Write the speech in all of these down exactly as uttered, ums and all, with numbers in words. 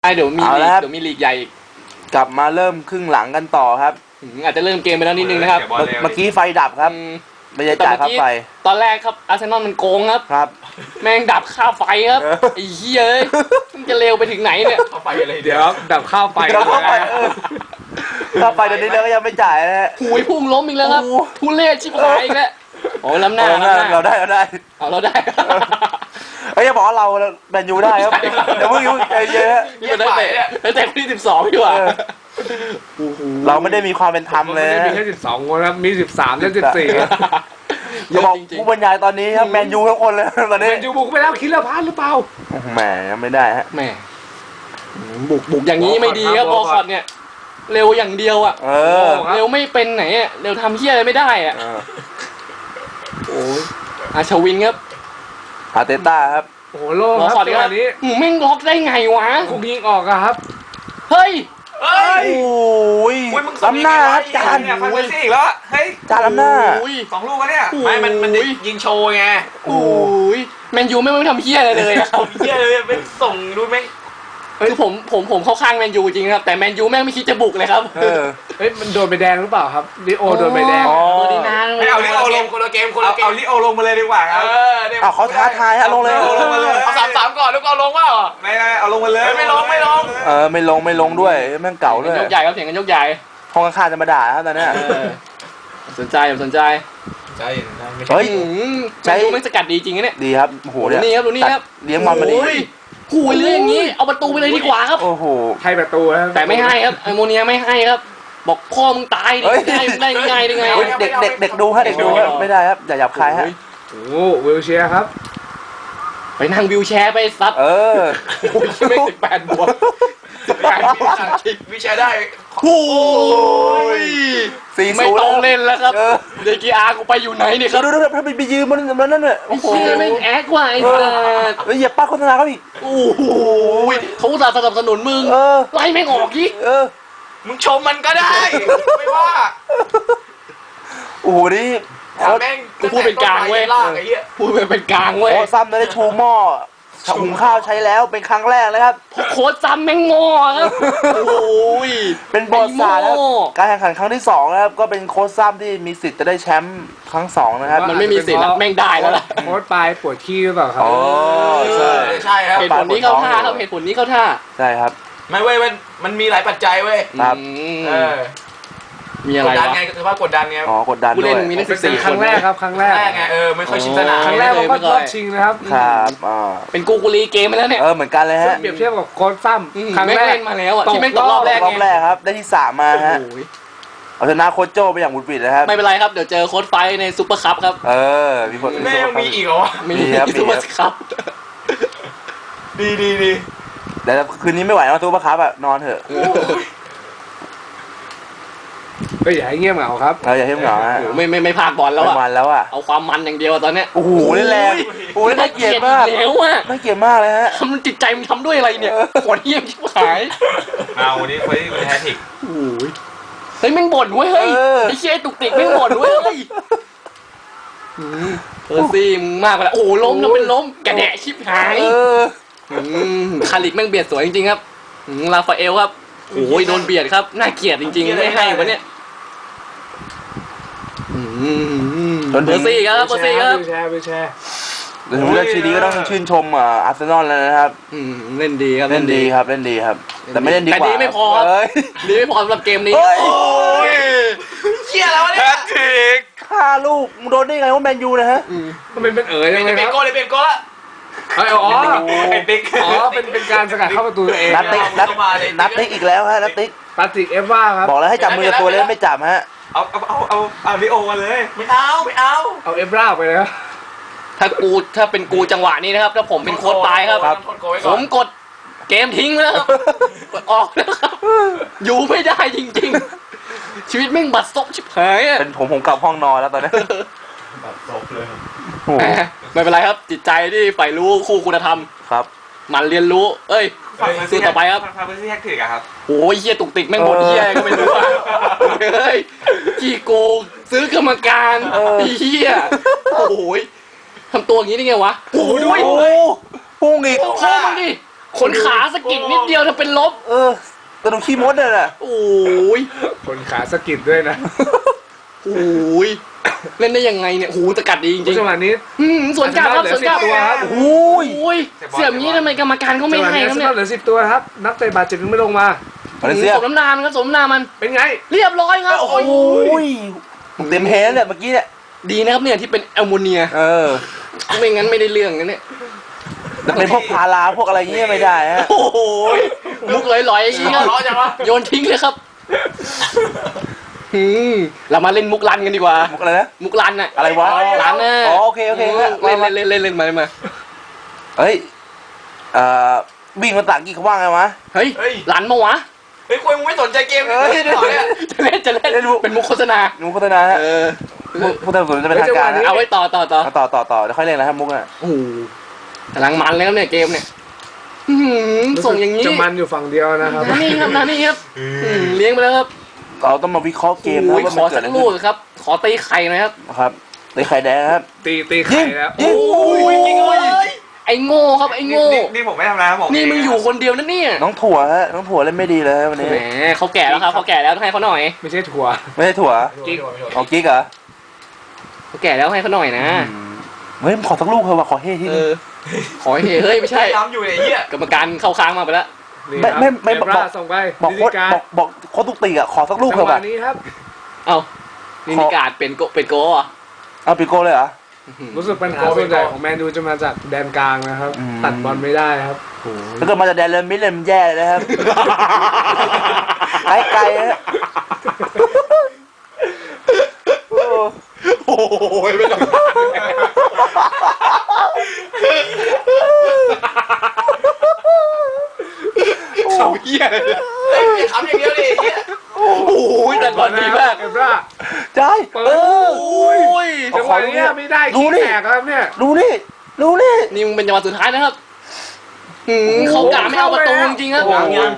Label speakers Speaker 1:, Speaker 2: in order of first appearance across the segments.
Speaker 1: เดี๋ยวมีเดี๋ยวมีลีกใหญ่อีก
Speaker 2: กลับมาเริ่มครึ่งหลังกันต่อครับ
Speaker 1: อาจจะเริ่มเกมไปแล้วนิดนึงนะครับ
Speaker 2: เมื่อกี้ไฟดับครับไม่ได้จ่ายค่าไฟ
Speaker 1: ตอนแรกครับอาร์เซนอลมันโกงครับ
Speaker 2: ครับ
Speaker 1: แม่งดับค่าไฟครับไอ้เหี้ยมันจะเร็วไปถึงไหนเนี่ย
Speaker 3: ค่าไฟอะไรเดี๋ยวดับค่าไฟ
Speaker 2: ค่าไฟค่าไฟเดี๋ยวนี้เราก็ยังไม่จ่ายนะฮะ
Speaker 1: หุยพุ่งล้มอีกแล้วครับทุเรศชิบหายอีกแล้วโอ้ล้ำหน้า
Speaker 2: เราได้เราได้
Speaker 1: เอาเราได้
Speaker 2: เฮ้ยอย่าบอกว่าเราแมนยูได้ครับเดี๋ยวเพิ่งยุ่งใจเยอะ
Speaker 1: นี่มันได้เตะได้เตะที่สิบสองดีกว่า
Speaker 2: เราไม่ได้มีความเป็นธรรมเลย
Speaker 3: มีแค่สิบสองคนครับมีสิบสามและสิบสี่
Speaker 2: อย่าบอกผู้บรรยายตอนนี้ครับแมนยูทุกคนเลยตอนนี้
Speaker 3: แมนยูบุกไปแล้วคิดแล้วพลาดหรือเปล่า
Speaker 2: แหมยังไม่ได้ฮะ
Speaker 1: แหมบุกบุกอย่างนี้ไม่ดีครับบอลคอตเนี่ยเร็วอย่างเดียวอ่ะ
Speaker 2: เออ
Speaker 1: เร็วไม่เป็นไหนอ่ะเร็วทำเหี้ยอะไรไม่ได้อ่ะโอ้ยอาชวินครับ
Speaker 2: อาเตต้าครับ
Speaker 3: โอ้โหโล่ครับตอนนี้
Speaker 1: แม่งล็อกได้ไงวะ
Speaker 3: คุกยิงออกครับ
Speaker 1: เฮ้ย
Speaker 2: โอ้ยล้ำหน้าครับจาน
Speaker 4: เนี่ยฟันไปซี่อีกแล้วเฮ้ย
Speaker 2: จานล้ำหน้า
Speaker 4: สองลูกแล้วเนี่ยไม่มันมันยิงโชว์ไง
Speaker 1: โอ้ยแมนยูไม่ไม่ทำเหี้ยอะไรเลยอะ
Speaker 4: เหี้ยเลยไม่ส่งดูไหม
Speaker 1: คือผมผมผมเข้าข้างแมนยูจริงครับแต่แมนยูแม่งไม่คิดจะบุกเลยครับ
Speaker 2: เออ
Speaker 3: เฮ้ยมันโดนใบแดงหรือเปล่าครับลิโอโดนใบแดง
Speaker 1: เบอร์ดินา
Speaker 4: ไม่เอาลิโอลงคนละเกมคนละเกมเอาลิโอลงมาเลยดีกว่าครับ
Speaker 2: เอาเขาท้าทายฮะลงเลย
Speaker 4: ลงมาเลย
Speaker 1: เอาสามสามก่อนแล้วก็เอาลงว่า
Speaker 4: ไม่ไม่เอาลงมาเลยไม่ลงไม่ลง
Speaker 2: เออไม่ลงไม่ลงด้วยแม่งเก่าด้วย
Speaker 1: ยกใหญ่ครับเสียงกันยกใหญ่
Speaker 2: ห้องข้างๆจะมาด่าครับตอนนี้
Speaker 1: สนใจสนใจ
Speaker 4: ใจ
Speaker 1: เฮ้ยใจดูไม่สกัดดีจริงเนี่ย
Speaker 2: ดีครับโอ้โห
Speaker 1: นี่ครับดูนี่ครับ
Speaker 2: เลี้ยงบอลมาดี
Speaker 1: หูยเรื่องอย่างนี้เอาประตูไปเลยดีกว่าครับ
Speaker 2: โอ้โห
Speaker 3: ให้ประตูครับ
Speaker 1: แต่ไม่ให้ครับไอโมเนียไม่ให้ครับบอกพ่อมึงตายดิได้ได้ไงได้ไง
Speaker 2: เด็กเด็กเด็กดูฮะเด็กดูไม่ได้ครับอย่าหยาบคายฮะ
Speaker 3: โอ้วิวแชร์ครับ
Speaker 1: ไปนั่งวิวแชร์ไปซัด
Speaker 2: เออ
Speaker 1: โอ้ยไม่สิบแปดบวกสิบแปดบวก
Speaker 4: วิวแชร์ได้
Speaker 1: โอ้ยไม่ต้องเล่นแล้วครับเดกีอาร์กูไปอยู่ไหนเนี่ยครับ
Speaker 2: ดูดูถ้าไปยืมมันมันนั่นเนี่ย
Speaker 1: โอ้โหไม่แอคว่ะไอ้สัส
Speaker 2: แล้วเหยียบป้าโฆษณาเขาอีก
Speaker 1: โอ้โหเขาอุตส่าห์สนับสนุนมึงไล่ไม่ออกอีก
Speaker 2: เออ
Speaker 4: มึงชมมันก็ได้ไม่ว่า
Speaker 2: โอ้โหนี่
Speaker 4: แม่ง
Speaker 1: กูพูดเป็นกลางเว้ยพูดเป็นกลางเว้ย
Speaker 2: โอ้ซ้ำได้ชูหม้อหุงข้าวใช้แล้วเป็นครั้งแรกเลยครับ
Speaker 1: โค้ชซ้ำแม่งงอครับโอ้ย
Speaker 2: เป็นบอลสาแล้วการแข่งขันครั้งที่สองนะครับก็เป็นโค้ชซ้ำที่มีสิทธิ์จะได้แชมป์ครั้งสองนะครับ
Speaker 1: มันไม่มีสิทธิ์แม่งได้แล้วล่ะ
Speaker 3: โค้ชปลายปวดขี้หรือเปล่าครับ
Speaker 2: อ๋อใช่
Speaker 4: ใช่ครับ
Speaker 1: เหตุผลนี้เข้าท่าครับเหตุผลนี้เข้าท่า
Speaker 2: ใช่ครับ
Speaker 4: ไม่เว้ยมันมันมีหลายปัจจัยเว้ย
Speaker 2: ครับ
Speaker 4: เออ
Speaker 1: มีอะไร
Speaker 4: กดดันไงคือว่ากดดันไง
Speaker 2: อ๋อกดดันด้วย
Speaker 1: มีนักศึกษา
Speaker 3: ครั้งแรกครับครั้งแรก
Speaker 4: ไงเออไม่ค่อยชิงสนาม
Speaker 3: ครั้งแรกผมก็รอบชิงนะครับ
Speaker 2: ครับอ่า
Speaker 1: เป็นกูกูรีเกมมาแล้วเนี่ย
Speaker 2: เออเหมือนกันเลยฮะ
Speaker 3: เปรียบเทียบกับโค้ชซ้ำ
Speaker 1: ครั้งแรกมาแล้วอ่ะที่แม่งตกรอบแรก
Speaker 2: รอบแรกครับได้ที่สามมาฮะเอาชนะโค้ชโจไปอย่างบุดบิดนะครับ
Speaker 1: ไม่เป็นไรครับเดี๋ยวเจอโค้ชไฟในซุปเปอร์คัพครับ
Speaker 2: เออมีคน
Speaker 4: ไม่ยังมีอีกเหรอ
Speaker 1: มีครับซุปเปอร์คัพ
Speaker 4: ดีดีดี
Speaker 2: แต่คืนนี้ไม่ไหวแล้วซุปเปอร์คัพอ่ะนอนเถอะ
Speaker 3: ก็อย่าให้เงียบเหงาครับ
Speaker 2: เราอย่าให้เหงาฮะ
Speaker 1: ไม่ไม่ไม่พากบอลแล้วอ่ะ
Speaker 2: มันแล้วอ่ะ
Speaker 1: เอาความมันอย่างเดียวตอนเนี้ย
Speaker 2: โอ้โหนี่แรงโอ้ยน่าเกลียดมาก
Speaker 1: แล้วอ่ะ
Speaker 2: น่าเกลียดมากเลยฮะ
Speaker 1: ทำจิตใจมันทำด้วยอะไรเนี่ยปวดเยี่ยมชิบหาย
Speaker 4: เอาวันนี้ไปแฮตติก
Speaker 1: โอ้ยเฮ้ยแม่งบ่นเว้ยเฮ้ยไอ้เชี่ยตุกติกแม่งบ่นเว้ยเฮ้ยเออซี่มึงมากไปแล้วโอ้ล้มแล้วเป็นล้มกระแดะชิบหายคาริกแม่งเบียดสวยจริงๆครับลาฟาเอลครับโอ้ยโดนเบียดครับน่าเกลียดจริงๆไม่ให้วะเนี่ยเบอร์ซี่ครับเบอร์ซี่ครับ
Speaker 3: แชร์ไปแชร์
Speaker 2: เดี๋ยวเลือกชีดีก็ต้องชื่นชมอาร์เซนอลแล้วนะครับ
Speaker 1: เล่นดีครับ
Speaker 2: เล่นดีครับเล่นดีครับแต่ไม่เล่นดีกว่า
Speaker 1: แต่ดีไม่พอดีไม่พอสำหรับเกมนี้
Speaker 2: โอ้
Speaker 4: ยเชี่ยแล้วเนี่ยแฮตทริก
Speaker 2: ฆ่าลูกมึงโดนได้ไงว่าแมนยูนะฮะ
Speaker 3: มันเป็นเป็นเอ๋ยเลยครับ
Speaker 4: เป็นโก้เลยเป็นโก้ละ
Speaker 3: อ๋อเป็นติ๊กอ๋อเป็นเป็นการสกัดเข้าประตูตัวเอง
Speaker 2: นัดติ๊กนัดนัดติ๊กอีกแล้วฮะนัดติ๊ก
Speaker 3: ปาติกเอฟว่าครับ
Speaker 2: บอกแล้วให้จับมือตัวเล่นไม่จับฮะ
Speaker 4: เอาเอาเอาเอาเอาลิโอมาเลยไม่เอาไม่เอา
Speaker 3: เอาเอฟราไปเลยครับ
Speaker 1: ถ้ากูถ้าเป็นกูจังหวะนี้นะครับถ้าผมเป็นโค้ชตายครับผมกดเกมทิ้งแล้วครับกดออกแล้วครับอยู่ไม่ได้จริงๆชีวิตแม่งบัดซบชิบหาย
Speaker 2: เป็นผมผมกลับห้องนอนแล้วตอนนี้
Speaker 4: บัดซบเลย
Speaker 1: ไม่เป็นไรครับจิตใจที่ใฝ่รู้คู่คุณธรรม
Speaker 2: ครับ
Speaker 1: มันเรียนรู้เอ้ยสู้ต่อไปครับ
Speaker 4: ฟังเพื่อนที่แฮกถึกอะครับ
Speaker 1: โอ้ยเหี้ยตุกติกแม่งหมดเหี้ยก็ไม่รู้อ่ะเฮ้ยกี่โกงซื้อกรรมการเหี้ยโอ้ยทำตัวอย่างนี้ได้ไงวะ
Speaker 2: โอ้ยพุ่งอีก
Speaker 1: โค้งมันดิโขนขาสะกิดนิดเดียวถ้าเป็นลบ
Speaker 2: เออกระดูกขี้มดเนี่ยแหละ
Speaker 1: โอ้ย
Speaker 3: คนขาสะกิดด้วยนะ
Speaker 1: โอ้ยเล่นได้ยังไงเนี่ยโอ้โหสกัดดีจริง
Speaker 3: จังหวะนี้
Speaker 1: ๆอืมสวนกลับครับสวนกลับ
Speaker 3: ตัวครับ
Speaker 2: โอ้ย
Speaker 1: โอ้ยเสียบงี้ทำไมกรรมการเขาไม่
Speaker 3: จังหวะ
Speaker 1: ให้
Speaker 3: นี้
Speaker 1: ครับ
Speaker 3: ส
Speaker 1: เนี่ย
Speaker 3: นับเหลือสิบตัวครับ นักเตะบาดเจ็บยังไม่ลงมา
Speaker 2: มาเลเซีย
Speaker 1: สมน้ำหนามันครับสมน้ำหนามัน
Speaker 3: เป็นไง
Speaker 1: เรียบร้อยครับ
Speaker 2: โอ้ยเต็มแฮนด์เลยเมื่อกี้เนี่ย
Speaker 1: ดีนะครับเนี่ยที่เป็นแอลโมเนีย
Speaker 2: เออ
Speaker 1: ไม่งั้นไม่ได้เรื่องนะเนี่ย
Speaker 2: แต่เป็นพวกพาราพวกอะไรเงี้ยไม่ได้ฮะ
Speaker 1: โอ้โหมุกลอยๆอย่างนี้ครับ
Speaker 4: ร้อนจังวะ
Speaker 1: โยนทิ้งเลยครับอืมเรามาเล่นมุกลันกันดีกว่า
Speaker 2: มุกอะไรนะ
Speaker 1: มุกลันน่ะ
Speaker 2: อะไรวะ
Speaker 1: ลันน่ะ
Speaker 2: อ๋อโอเคโอเค
Speaker 1: เล่นเล่นเล่นเล่นเล่นมาเล่นมา
Speaker 2: เฮ้ยเอ่อวิ่งภาษาอังกฤษเขาว่าไงวะ
Speaker 1: เฮ้ย
Speaker 4: เฮ้ย
Speaker 1: ลันมาวะ
Speaker 4: เฮ้ยคุยมึงไม่สนใจเกม
Speaker 2: เอ้ย
Speaker 4: เลยเหรอเนี่ย
Speaker 1: จะเล่นจะเล่นเป็นมุกโฆษณา
Speaker 2: มุกโฆษณาฮะ
Speaker 1: เออ
Speaker 2: มุกพูดตามส่วนจะเป็นทางการนะ
Speaker 1: เอาไว้ต่อต่อต่อ
Speaker 2: เอาต่อต่อต่อเดี๋ยวค่อยเล่นนะครับมุกอ่ะ
Speaker 1: โอ้โหกำลังมันเลยครับเนี่ยเกมเนี่ยอื้อหือส่งอย่างนี้
Speaker 3: จะมันอยู่ฝั่งเดียวนะครับ
Speaker 1: นานี่ครับนานี่ครับอืมเลี้ยงไปแล้วครับ
Speaker 2: เราต้องมาวิเคราะห์เกมนะ
Speaker 1: โอ้ย
Speaker 2: ว่า
Speaker 1: ข
Speaker 2: มัน
Speaker 1: อ
Speaker 2: เกิด
Speaker 1: สั
Speaker 2: อะ
Speaker 1: ก
Speaker 2: ไร
Speaker 1: ลู
Speaker 2: ขึ้
Speaker 1: ก
Speaker 2: น
Speaker 1: ครับ ขอตีไข่หนะครับ
Speaker 2: นะครับในไข่แดงครับ
Speaker 3: ตีตีไข่แล้ว
Speaker 2: ยิง
Speaker 1: โอ้ยจริงเลยไอ้โง่ครับไอ้โง่
Speaker 4: นี่นี่ผมไม่ทำนะผม
Speaker 1: นี่มึงอยู่คนเดียวนะเนี่ย
Speaker 2: น้องถั่วฮะน้องถั่วเล่นไม่ดีเลยฮะวันนี้
Speaker 1: แหมเขาแก่แล้วครับเขาแก่แล้วต้องให้เขาหน่อย
Speaker 3: ไม่ใช่ถั่ว
Speaker 2: ไม่ใช่ถั่ว
Speaker 3: กิ๊ก
Speaker 2: เอากิ๊กเหรอ
Speaker 1: เขาแก่แล้วให้เขาหน่อยนะ
Speaker 2: อืมเฮ้ยขอสักลูกเถอะว่ะขอเฮ้ที่
Speaker 1: เอ
Speaker 2: นึง
Speaker 1: อขอให้เฮ้ยไม่ใช่
Speaker 4: ทำอยู่เนี่ยไอ้เหี้ย
Speaker 1: กรรมการเข้าค้างมาไปแล้ว
Speaker 3: นี่
Speaker 2: ไม่
Speaker 3: ครับ
Speaker 2: ไม่ไม่
Speaker 3: เอ
Speaker 2: บอก
Speaker 3: ฟราส่งไป
Speaker 2: บอก
Speaker 3: นิ
Speaker 2: โค้
Speaker 3: ติ
Speaker 2: ด
Speaker 3: การ
Speaker 2: บอกบอกโค้ดตุกติกอ่ะขอสักลูก
Speaker 3: จั
Speaker 2: เถ
Speaker 3: ง
Speaker 2: อะ
Speaker 3: หวะ
Speaker 2: ว่ะ
Speaker 3: นี้ครับ
Speaker 1: เอ้านี่นิการเป็นโกเป็นโกอ่ะ
Speaker 2: เอาปิโก้เลยเหรอ
Speaker 3: รู้สึกปัญหาส่วนใหญ่ของแมนยูจะมาจากแดนกลางนะครับ
Speaker 2: อืม
Speaker 3: ตัดบอลไม่ได้ครับ
Speaker 2: ถ้าเกิดมาจากแดนเลมิดเลยมันแย่เลยนะครับ ไกลไกลฮะโอ้
Speaker 4: โอ้ยไม่ต้อง
Speaker 1: เขาเหี้ยเลย
Speaker 4: เฮ้ยอย่าขำอย่างเดียวดิไอ้เหี้ย
Speaker 1: โอ้โหแต่บอลดีมาก
Speaker 3: เอฟรา
Speaker 2: ใช่
Speaker 3: เปิ
Speaker 2: เอ
Speaker 3: ด
Speaker 2: อ
Speaker 1: โอ้ย
Speaker 3: จังหวะนี้ไม่ได้
Speaker 2: ดู
Speaker 3: ขี้
Speaker 2: นี่
Speaker 3: แตกครับเนี่ย
Speaker 2: ดูนี่ดูนี่
Speaker 1: นี่มึงเป็นจังหวะสุดท้ายนะครับหืมเขากะไม่เอาประตูจริงๆครับ
Speaker 2: โอ้โห
Speaker 1: ยัง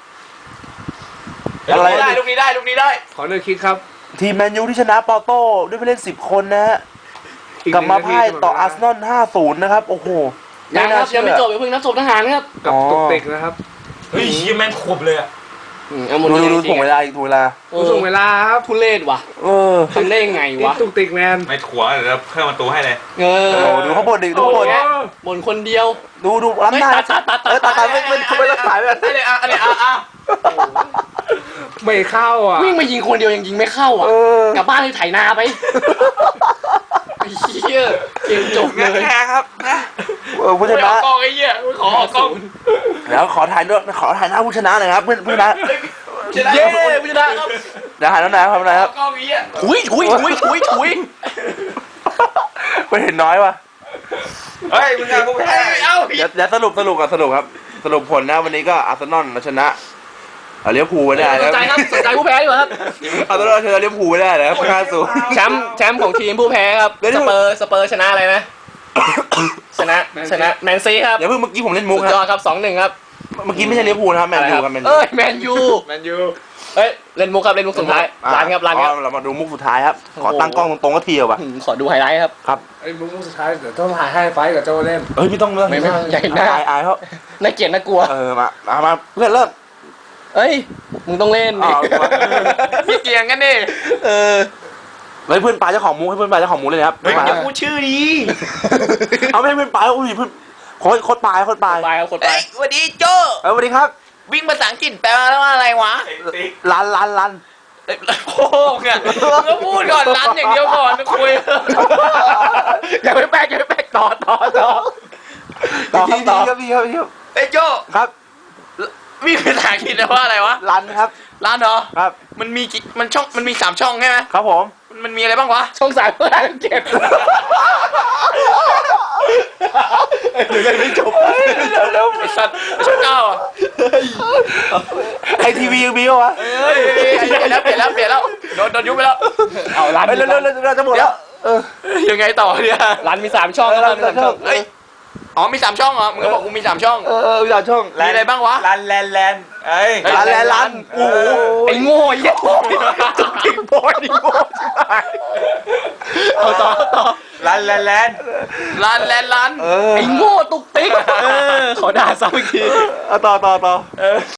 Speaker 4: ลูกนี้ได้ลูกนี้ได้ลูกนี้ได้
Speaker 3: ขอเลือกคิดครับ
Speaker 2: ทีมแมนยูที่ชนะปอร์โต้ด้วยผู้เล่นสิบคนนะฮะ
Speaker 3: อี
Speaker 2: กลับ
Speaker 3: หนึ่ง
Speaker 2: มา
Speaker 3: นาที
Speaker 2: พ่ายต่อ
Speaker 3: เสม
Speaker 2: อาร์เซนอล ห้าศูนย์ นะครับ โอ้โห
Speaker 1: ยังครับ
Speaker 2: น่าเชื่
Speaker 1: ยัง
Speaker 2: อ
Speaker 1: ไม่จบอย่าเพิ่งนับศพทหารนะครับ
Speaker 3: กับ
Speaker 2: อ๋อ
Speaker 3: ตุกติกนะครับ
Speaker 4: เฮ้ยเหี้ยแม่งขบเลยอะ
Speaker 1: อืมเอาหม
Speaker 2: ดู
Speaker 1: ด
Speaker 2: ดู
Speaker 1: เลย
Speaker 2: ดู
Speaker 1: จริ
Speaker 2: ถ่ว
Speaker 1: ง
Speaker 2: งเวลาอีกถ่วงเวลา
Speaker 1: เอ
Speaker 3: ผู้
Speaker 1: อ
Speaker 3: ส่งเวลาครับ
Speaker 1: ทุเรศว่ะ
Speaker 2: เออ
Speaker 1: ทำได้ยังไง
Speaker 3: นี่
Speaker 1: วะ
Speaker 3: ตุกติกแมน
Speaker 4: ไม่ถั่วเดี๋ยวเราเพิ่มประตูให้เลย
Speaker 1: เออ
Speaker 2: โอ้โหดูเขาบนดิดู
Speaker 1: โอ้
Speaker 2: เขาบน
Speaker 1: โหบ่นคนเดียว
Speaker 2: ดูดูล้ำหน้า
Speaker 1: เฮ้ยตัดตัดตัด
Speaker 2: เออตัดตัดไม่ไม่ไม่รักษาไม่
Speaker 4: อันนี้อ่ะอันนี้อ่ะอ่ะ
Speaker 3: ไม่เข้าอ่ะ
Speaker 1: วิ่งมายิงคนเดียวยังยิงไม่เข้าอ่ะ
Speaker 2: เออก
Speaker 1: ลับบ้านเลยไถนาไปไอ้เหี้ยเกมจบเลย
Speaker 4: แค่ครับนะ
Speaker 2: เออผู้ช
Speaker 4: ไม่อ
Speaker 2: นะ
Speaker 4: อกกล้องไอ้เหี้ยไม่ขอออกกล้อง
Speaker 2: เดี๋ยวขอถ่ายด้วยขอถ่ายหน้าผู้ชนะหน่อยครับเพื่อนผู้ชนะ
Speaker 4: ชนะ
Speaker 1: เย้ผู้ชนะครับ
Speaker 2: เดี๋ยวถ่ายน้องนายครับนายครับ
Speaker 4: กล้องไอ้เหี้ย
Speaker 1: ถุยถุยถุยถุยถุย
Speaker 2: ไปเห็นน้อยว่ะ
Speaker 4: เฮ้ยมึงอะกูแพ้เอ้า
Speaker 2: เดี๋ยวเดี๋ยวสรุปสรุปกันสรุปครับ สรุปผลนะวันนี้ก็อาร์เซนอลชนะเอาเลี้ยวภูลไว้ได้
Speaker 1: ส
Speaker 2: นะ
Speaker 1: นใจครับสนใจผู้แพ้ดีกว่าครับ
Speaker 2: อาร์เซนอลชนะเลี้ยวภูลไว้ได้นะครับห้าศูนย์
Speaker 1: แชมป์แชมป์ของทีมผู้แพ้ครับ
Speaker 2: เดี๋ยว
Speaker 1: สเปอร์สเปอร์ชนะอะไรนะชนะชนะแมนซีครับ
Speaker 2: อย่าเพิ่งเมื่อกี้ผมเล่นมุก
Speaker 1: สุด
Speaker 2: ค
Speaker 1: ยอ
Speaker 2: รั
Speaker 1: ด
Speaker 2: บ
Speaker 1: ครับสองหนึ่งครับ
Speaker 2: เมื่อกี้ไม่ใช่เลี้ยวภูลนะครับแมนยูครับแมนยู
Speaker 1: เอ้ยแมนยู
Speaker 3: แมนยู
Speaker 1: เอ้ยเล่นมุกครับเล่นมุกสุดท้าย
Speaker 2: อ่ะ
Speaker 1: รันครับรันครับ
Speaker 2: อ๋อเรามาดูมุกสุดท้ายครับ ขอ
Speaker 1: โอ้โห
Speaker 2: ตั้งกล้องตรงๆก็ทีเดียวว่ะ
Speaker 1: อืมขอดูไฮไลท์ครับ
Speaker 2: ครับ
Speaker 3: ไอ้มุกสุดท้ายเดี๋ยวต้องถ่ายให้ไฟท์กับโจเล่น
Speaker 2: เฮ้ยไม่ต้องเรื่อง
Speaker 1: ไม่ไม่อย่าเห็นหน้า
Speaker 2: อายอายเขา
Speaker 1: น่าเกลียดน่ากลัว
Speaker 2: เออมามามาเพื่อนเริ่ม
Speaker 1: เอ้ยมึงต้องเล่นดิ
Speaker 2: เอา
Speaker 4: พี่เกียงกันดิ
Speaker 1: เออ
Speaker 2: เฮ้ยเพื่อนปลาเจ้าของมุกให้เพื่อนปลาเจ้าของมุกเลยนะครับ
Speaker 4: เฮ้ย
Speaker 2: มา
Speaker 4: อย่าพูดชื่อดี
Speaker 2: เอาไม่ให้เพื่อนปลาอุ้ยเพื่อนโค้ดโค้ดปลายโค้ดปลาย
Speaker 1: ไปครับคนไป
Speaker 4: เฮ้ยสวัสดีโจ
Speaker 2: เออสวัสดีครับ
Speaker 4: วิ่งภาษาอังกฤษแปลว่าอะไรวะ
Speaker 2: ลันลันลัน
Speaker 4: โอ้โหเนี่ยมึงก็พูดก่อนรันอย่างเดียวก่อนนะคุย
Speaker 1: อย่าไปแป๊กอย่าไปแป๊กต่อต่อต่อต่อค
Speaker 2: ดี
Speaker 1: รับ
Speaker 2: ดี
Speaker 1: ต่อ
Speaker 2: ครับดีครับดีครับ
Speaker 4: เฮ้ยโจ
Speaker 2: ครับ
Speaker 4: วิ่งภาษาอังกฤษแปลว่าอะไรวะ
Speaker 2: ลันครับ
Speaker 4: ร้านเหรอ
Speaker 2: ครับ
Speaker 4: มันมีกี่มันช่องมันมีสามช่องใช่ไหม
Speaker 2: ครับผม
Speaker 4: มันมันมีอะไรบ้างวะ
Speaker 1: ช่องสามเพื่อนเจ็บเดี๋ยวเล่นไม่จบ
Speaker 2: เร็ว
Speaker 4: ไอ้สัตว์ไอ้ช่องเก้าอ่ะ
Speaker 2: ๆไอทีวียังมีปะวะ
Speaker 4: เฮ้ยเปลี่ยนแล้วเปลี่ยนแล้วเปลี่ยนแล้วโดนโดนยุบไปแล้ว
Speaker 1: เอารัน
Speaker 2: เฮ้ยเร็วๆเร็วๆเราจะหมดแล้วเออ
Speaker 4: ยังไงต่อเนี่ย
Speaker 1: รันมีสามช่อง
Speaker 2: เออ
Speaker 1: รันมีสามช่อง
Speaker 2: เฮ้ย
Speaker 4: อ๋อมีสามช่องเหรอมึงก็บอกกูมีสามช่อง
Speaker 2: เออเออวิจารณ์ช่อง
Speaker 4: มีอะไรบ้างวะ
Speaker 3: ลันแลนแลนเอ้ย
Speaker 2: ร้านแลร้านโอ้โห
Speaker 1: ไอ้โง่ไอ้เหี้ย
Speaker 2: ติ๊กบอยนี่โง่ใช่ไหมเอาต่อต่อ
Speaker 3: ลันแลนแลน
Speaker 4: ร้านแลนด์ร้าน
Speaker 2: เออ
Speaker 1: ไอ้โง่ตุกติ๊กเออขอด่าซ้ำอีกที
Speaker 2: เอาต่อต่อต่อ
Speaker 3: เออ